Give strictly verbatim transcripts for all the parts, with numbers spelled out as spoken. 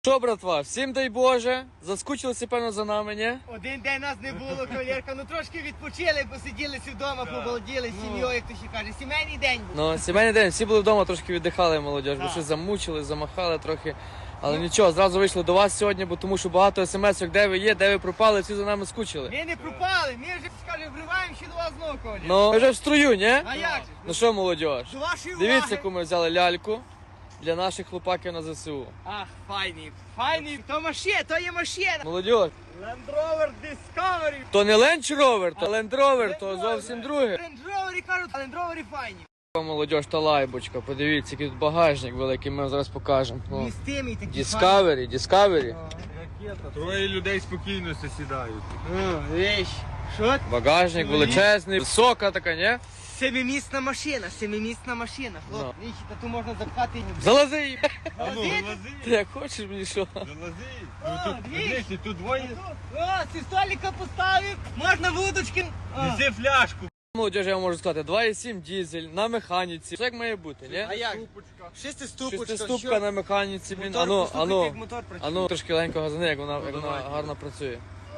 Що, братва, всім дай Боже, заскучилися, певно, за нами, ні? Один день нас не було, кавалерка, ну трошки відпочили, посиділися вдома, побалділи з сім'єю, як то ще каже. Сімейний день був. Ну, сімейний день, всі були вдома, трошки віддихали, молодіж, бо Так. щось замучили, замахали трохи. Але нічого, зразу вийшли до вас сьогодні, бо тому що багато смс-ок, де ви є, де ви пропали, всі за нами скучили. Ми не пропали, ми вже, скаже, вриваємо ще до вас знову, кавалерка. Ну, ви вже в струю, ні? А як же? Ну що, молодіж, До вашої уваги. дивіться, яку ми взяли ляльку для наших хлопаків на ЗСУ. Ах, файний, файний, то машина, то є машина. Молодіж, Land Rover Discovery. то не Land Rover, то Land Rover, то зовсім друге. Land Rover, кажуть, а Land Rover файні. Молодіж, та лайбочка, подивіться, який тут багажник великий, ми вам зараз покажемо. Ну, Містимий такий Discovery, Discovery. Троє людей спокійно сідають. Ну, віч, що? Багажник величезний, висока така, ні? Семимісна машина, семимісна машина. Хлоп, Ну. віч, та ту можна запхати. Залази її. А ну, Залази? залази, Ти як хочеш мені що? залази. О, Ну тут, дві. дивись, тут двоє. О, ці столика поставив, можна вудочки. О. Неси фляжку. Молодіж, я вам можу сказати, два і сім дізель на механіці. Все як має бути, ні? А як? Шестиступочка. Шестиступка на механіці, блін. Мотор, Ану, послухайте, ану, як мотор працює. ану, трошки легенько газани, як вона, як Ну, вона давай. гарно працює.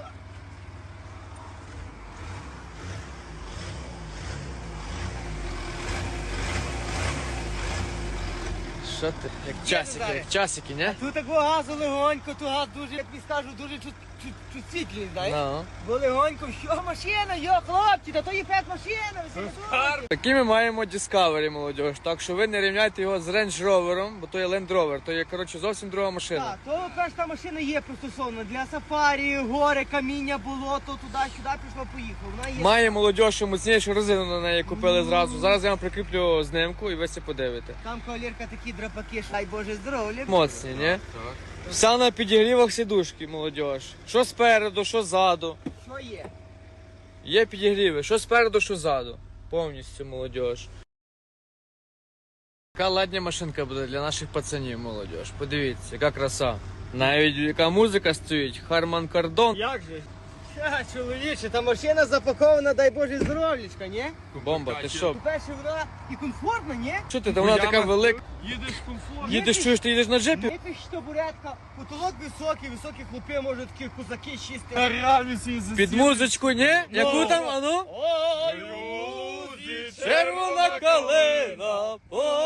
Що ти? Як часики, зараз. як часики, ні? Тут такого газу легонько, то газ дуже, як тобі скажу, дуже чут, чут, чутсвітлий, знаєш? Ну. Бо легонько, що машина, йо, хлопці, та то є п'ять машина, ви собі Такі ми маємо Discovery, молодіж, так що ви не рівняйте його з Range Rover, бо то є Land Rover, то є, коротше, зовсім друга машина. Так, то перша машина є пристосована для сафарі, гори, каміння, болото, туди-сюди пішло, поїхав. Вона є. Має молодіж, що міцнішу резину на неї купили зразу. Зараз я вам прикріплю знимку і ви все подивите. Там кавалерка такі драпаки, що, дай Боже здоров'я. Моцні, ні? Вся на підігрівах сідушки, молодіж. Що спереду, що ззаду. Що є? Є підігріви, що спереду, що ззаду. Повністю, молодіж. Яка ладня машинка буде для наших пацанів, молодіж. Подивіться, яка краса. Навіть яка музика стоїть, Харман Кардон. Як же? Ха, чоловіче, та машина запакована, дай Боже здоров'ячка, ні? Бомба, ти що? По-перше, вона і комфортна, ні? Що ти, та вона така велика. Їдеш комфортно. Їдеш, чуєш, ти їдеш на джипі? Якась табуретка, потолок високий, високі хлопи, можуть такі козаки чисти. Реально всі засіли. Під музичку, ні? Яку там, ану? Ой, Люди, Червона калина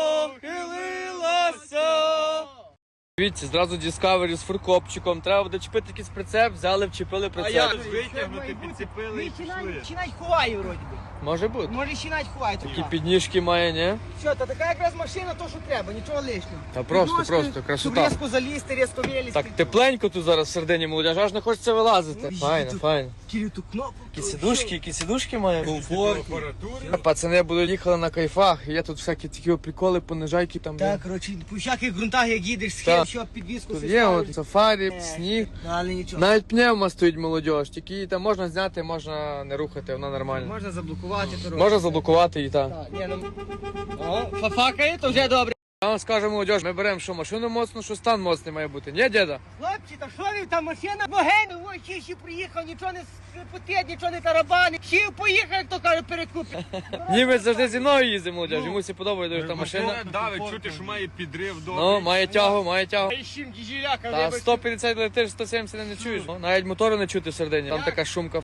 похилилася. Дивіться, зразу Discovery з фуркопчиком. Треба буде чіпити якийсь прицеп, взяли, вчепили прицеп. як? Витягнути, підцепили і Чи навіть- пішли. Чи навіть ховає, вроді би. Може бути. Може, ще навіть ховає. Такі така. підніжки має, ні? Що, та така якраз машина, то що треба, нічого лишнього. Та просто, Підножки, просто, красота. Щоб різко залізти, різко вилізти. Так тепленько тут зараз в середині молодіж, аж не хочеться вилазити. Файно, файно. Кирю ту кнопку. Які сідушки, які сідушки має. Апаратури. Пацани будуть їхали на кайфах, є тут всякі такі приколи, понижайки там. Так, коротше, по всяких ґрунтах, як їдеш, Так. схил, що підвіску Тут си є ставиш. от сафарі, Е, сніг. Але нічого. Навіть пневма стоїть молодіж, тільки її там можна зняти, можна не рухати, вона нормальна. Можна заблокувати дорогу. Можна заблокувати її, так. Так, ні, ну... О, фафакає, то вже добре. Я вам скажу, молодіж, ми беремо що машину моцну, що стан моцний має бути. Ні, діда? Хлопці, та що ви, та машина богейна, ой, ще ще приїхав, нічого не потить, нічого не тарабани. Ще поїхав, як то каже, перекупить. Німець завжди зі мною їздить, молодіж, йому всі подобається дуже та машина. Давить, чути, що має підрив добрий. Ну, має тягу, має тягу. Та ще діжіляка, Та сто п'ятдесят летиш, сто сімдесят не чуєш. Ну, навіть мотору не чути в середині. Там така шумка